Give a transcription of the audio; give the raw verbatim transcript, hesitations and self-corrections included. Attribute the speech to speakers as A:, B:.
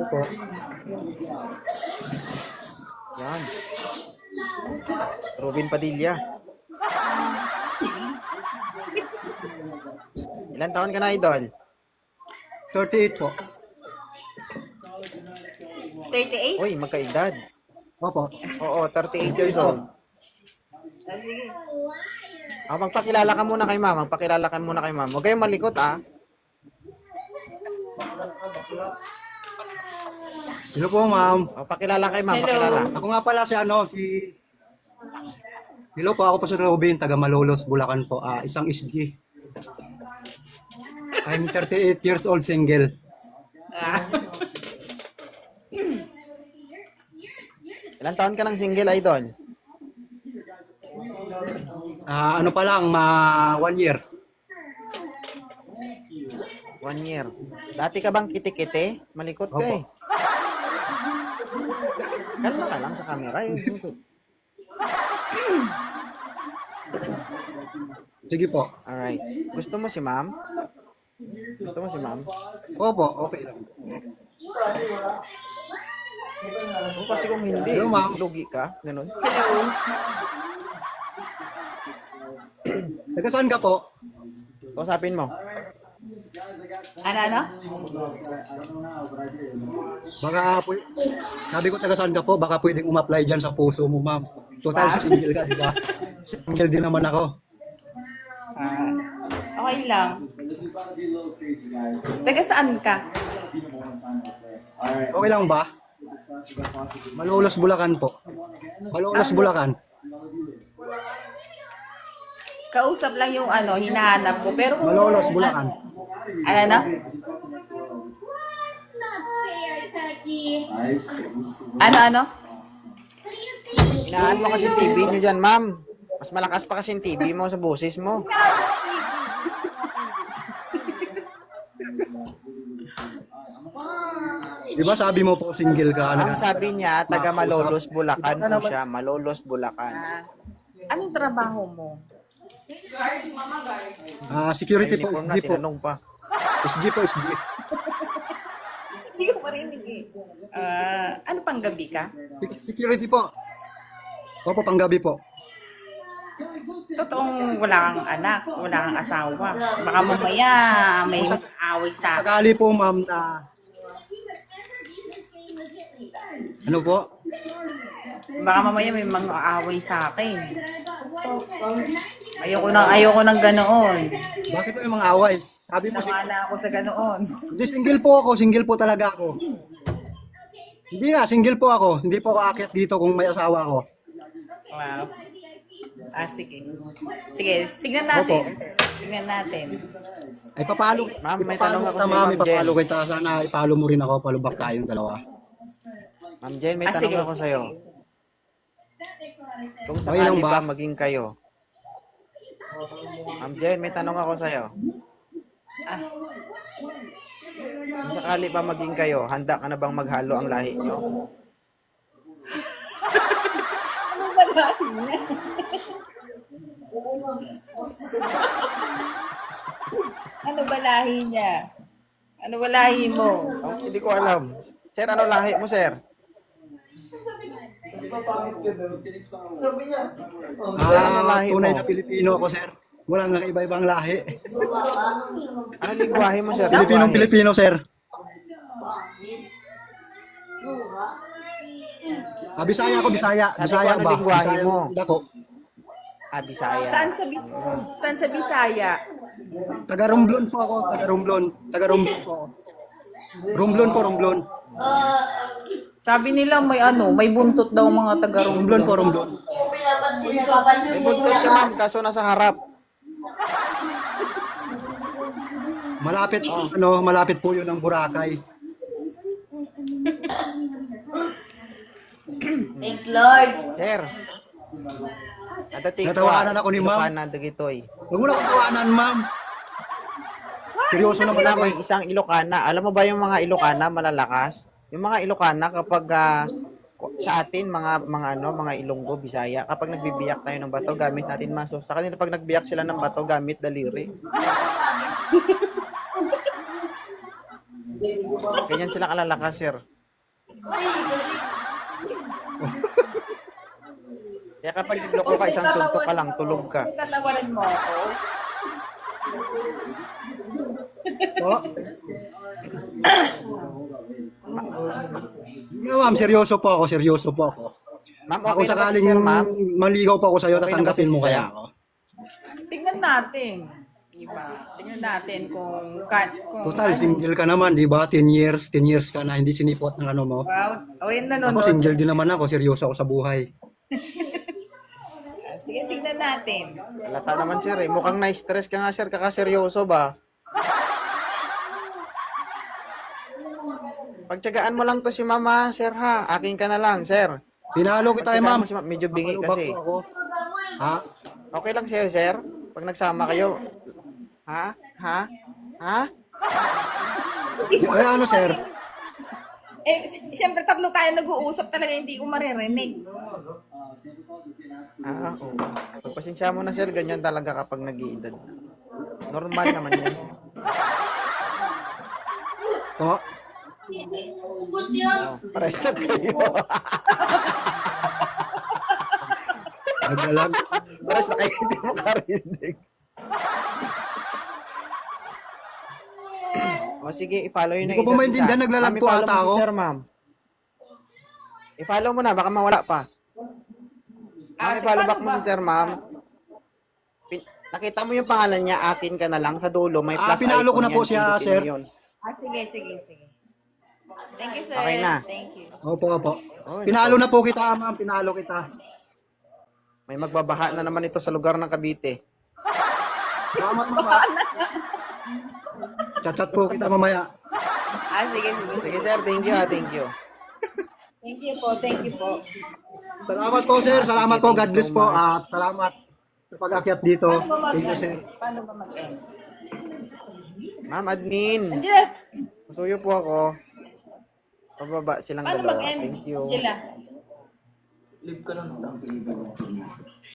A: po.
B: Yan. Robin Padilla. Ilan taon ka na, idol?
A: thirty-eight po.
C: thirty-eight?
B: Uy, magkaedad.
A: Opo.
B: Oo, thirty-eight years old. Ah, magpakilala ka muna kay ma'am. Magpakilala ka muna kay ma'am. Huwag kayong malikot, ah.
A: Hello po, ma'am.
B: O, pakilala kay ma'am.
C: Hello.
B: Pakilala.
A: Ako nga pala si ano, si... Hello po, ako po si Robin, taga Malolos, Bulacan po. Ah, isang S G. I'm thirty-eight years old, single.
C: Ah.
B: Ilan taon ka ng single, idol?
A: Ah, ano pa lang, ma one year.
B: One year. Dati ka bang kiti-kiti? Malikot ka
A: Opo.
B: eh. Kalma ka lang sa camera. Yung...
A: Sige po.
B: Alright. Gusto mo si ma'am? Gusto mo si ma'am?
A: Opo, okay lang.
B: Kung kasi kung hindi,
A: Hello, ma'am.
B: lugi ka. Ganun.
C: Hello.
A: Taga saan ka po?
B: Kausapin mo.
C: Ano, ano?
A: Baka po, sabi ko taga saan ka po, baka pwedeng umapply dyan sa puso mo, ma'am. Total single ka, di ba? Single din naman ako.
C: Ah, okay lang. Taga saan ka?
A: Okay lang ba? Malolos, Bulacan po. Malolos, Bulacan.
C: Kausap lang yung ano, hinahanap ko. Pero kung...
A: Malolos, Bulacan.
C: Ano, ano? Ano, ano?
B: Inaan mo kasi T V nyo dyan, ma'am. Mas malakas pa kasi yung T V mo sa boses mo.
A: Di ba sabi mo po single ka?
B: Ang
A: Ano?
B: sabi niya, taga Malolos, Bulacan po siya. Malolos, Bulacan.
C: Ah, anong trabaho mo?
A: Ah, security po,
B: Uniform
A: S
B: na,
A: G po.
B: tinanong pa.
A: S G po, S G.
C: Hindi ko marinig eh. Ah, ano pang gabi ka?
A: Sec- Security po. Opo, panggabi po.
C: Totoong wala kang anak, wala kang asawa. Baka mamaya may away sa akin.
A: Sakali po, ma'am, na... Ano po?
C: Baka mamaya may mga away sa akin. Ayoko nang ayoko nang ganoon.
A: Bakit po yung mga away? Sabi mo,
C: Sama na ako sa ganoon.
A: hindi, single po ako. Single po talaga ako. Hindi nga, single po ako. Hindi po ako aakyat dito kung may asawa ko.
C: Wow. Ah, sige. Sige, tignan natin. Tignan natin.
A: Ay, papalo.
B: Ma'am, may
A: ipapalo
B: tanong ako
A: kita,
B: sa
A: ma'am.
B: Ma'am
A: Ipapalo
B: Jen.
A: kita. Sana ipalo mo rin ako. Palubak tayong dalawa.
B: Ma'am Jen, may
C: Ah,
B: tanong
C: sige.
B: ako sa'yo. Kung
A: Okay lang
B: sakali
A: ba?
B: ba maging kayo? Ma'am Jen, may tanong ako sa'yo.
C: Ah,
B: Kung sakali ba maging kayo, handa ka na bang maghalo ang lahi nyo?
C: ano ba lahi niya? Ano ba lahi mo?
B: Oh, hindi ko alam. Sir, ano lahi mo, sir?
A: Ah,
B: lahi
A: tunay
B: mo?
A: na Pilipino ako, sir. Walang iba-ibang lahi.
B: Ano lingwahe mo, sir?
A: Pilipinong
B: Lingwahe.
A: Pilipino, sir. Ah, Bisaya ako, Bisaya.
B: Sabi ko,
A: Bisaya
B: ano
A: ba?
B: lingwahe
A: Bisaya
B: mo?
A: Dako.
B: Ah, Bisaya.
C: Saan sa Bi- Saan sa Bisaya?
A: Taga Romblon po ako, taga Romblon. Taga Romblon po ako. Romblon po, Romblon.
C: Sabi nila may ano, may buntot daw mga taga
A: Romblon po,
C: Romblon.
A: Romblon.
B: May buntot ka, ma'am, kaso nasa harap.
A: Malapit, ano, malapit po yun ng Boracay.
D: Thank Lord.
B: Sir. Adating ko,
A: Natawanan ako ni ma'am.
B: Ilocana Dagitoy.
A: Huwag mo na akong tawanan, ma'am. Seryoso naman
B: Wala
A: ako.
B: may isang Ilocana. Alam mo ba yung mga Ilocana malalakas? Yung mga Ilocana kapag ah, sa atin mga mga ano, mga Ilonggo, Bisaya, kapag nagbibiyak tayo ng bato gamit natin maso. Sa kanila pag nagbiyak sila ng bato gamit daliri. Ganyan sila kalalakas, sir. Kaya kapag nagloko ka, isang suntok ka lang, tulog ka.
C: Tatawarin mo ako.
A: Po. No, ma'am, seryoso po ako, seryoso po ako.
B: Ma'am,
A: Ako
B: okay na ba si
A: sakaling
B: sir, ma'am?
A: maligaw pa ako sa'yo,
B: Okay na ba
A: tatanggapin
B: si
A: mo
B: sir?
A: kaya ako.
C: Tingnan natin. Diba? Tingnan natin kung... Ka, kung
A: Total,
C: ano.
A: single ka naman, di ba? ten years, ten years ka na, hindi sinipot ng ano mo.
C: Wow. O yun
A: Ako
C: nanonood.
A: single din naman ako, seryoso ako sa buhay.
C: Sige, tingnan natin.
B: Halata naman sir eh. Mukhang na-stress ka nga sir, kakaseryoso ba? Pagtsagaan mo lang to si mama, sir ha. Akin ka na lang, sir.
A: Pinalo kita eh,
B: Pagtsagaan
A: ma'am.
B: mo si ma- medyo bingi
A: Ano ba
B: kasi.
A: po ako? Ha?
B: Okay lang sa'yo, sir? Pag nagsama kayo. Ha? Ha? Ha?
A: Ay, ano, sir?
C: Eh, si- siyempre tatlo tayo nag-uusap talaga, hindi ko maririnig.
B: Ah, oo. Pagpasensya mo na sir, ganyan talaga kapag nag-iedad. Normal naman yan.
A: Po?
B: Oh, pares na kayo.
A: Naglalag?
B: Pares na kayo, hindi mo karinig. O sige, i-follow yun
A: Hindi
B: ng
A: ko pa
B: isa't
A: maintindihan,
B: isa.
A: naglalag
B: Ma'am,
A: po
B: i-follow
A: ata
B: mo
A: ako.
B: Si sir, ma'am. I-follow mo na, baka mawala pa. Ma'am,
C: Ah,
B: i-follow
C: paano
B: back mo
C: ba?
B: si sir, ma'am. Pin- Nakita mo yung pangalan niya, akin ka na lang sa dulo, may
A: Ah,
B: plus
A: pinalo ko
B: icon
A: na po
B: yan,
A: siya,
B: pindutin
A: sir.
B: mo yun.
C: Ah, sige, sige, sige. Thank you, sir.
B: Okay na.
C: Thank you.
A: Opo, opo.
B: Oh,
A: Pinalo na po kita, ma'am. Pinalo kita.
B: May magbabaha na naman ito sa lugar ng Cavite.
A: Salamat, mama. Chat-chat po kita mamaya.
C: Ah, sige, sige.
B: Sige sir, thank you ha, thank you.
C: Thank you po, thank you po.
A: Salamat po, sir. Salamat po. God bless po. At salamat sa pag-akyat dito.
C: Paano ba
A: Thank you,
C: mag-
A: sir.
C: Paano ba mag-end?
B: Ma'am, admin.
C: Angela,
B: Masuyo po ako. Pababa silang
C: paano
B: dalawa.
C: mag-end?
B: Thank you.
C: Angela.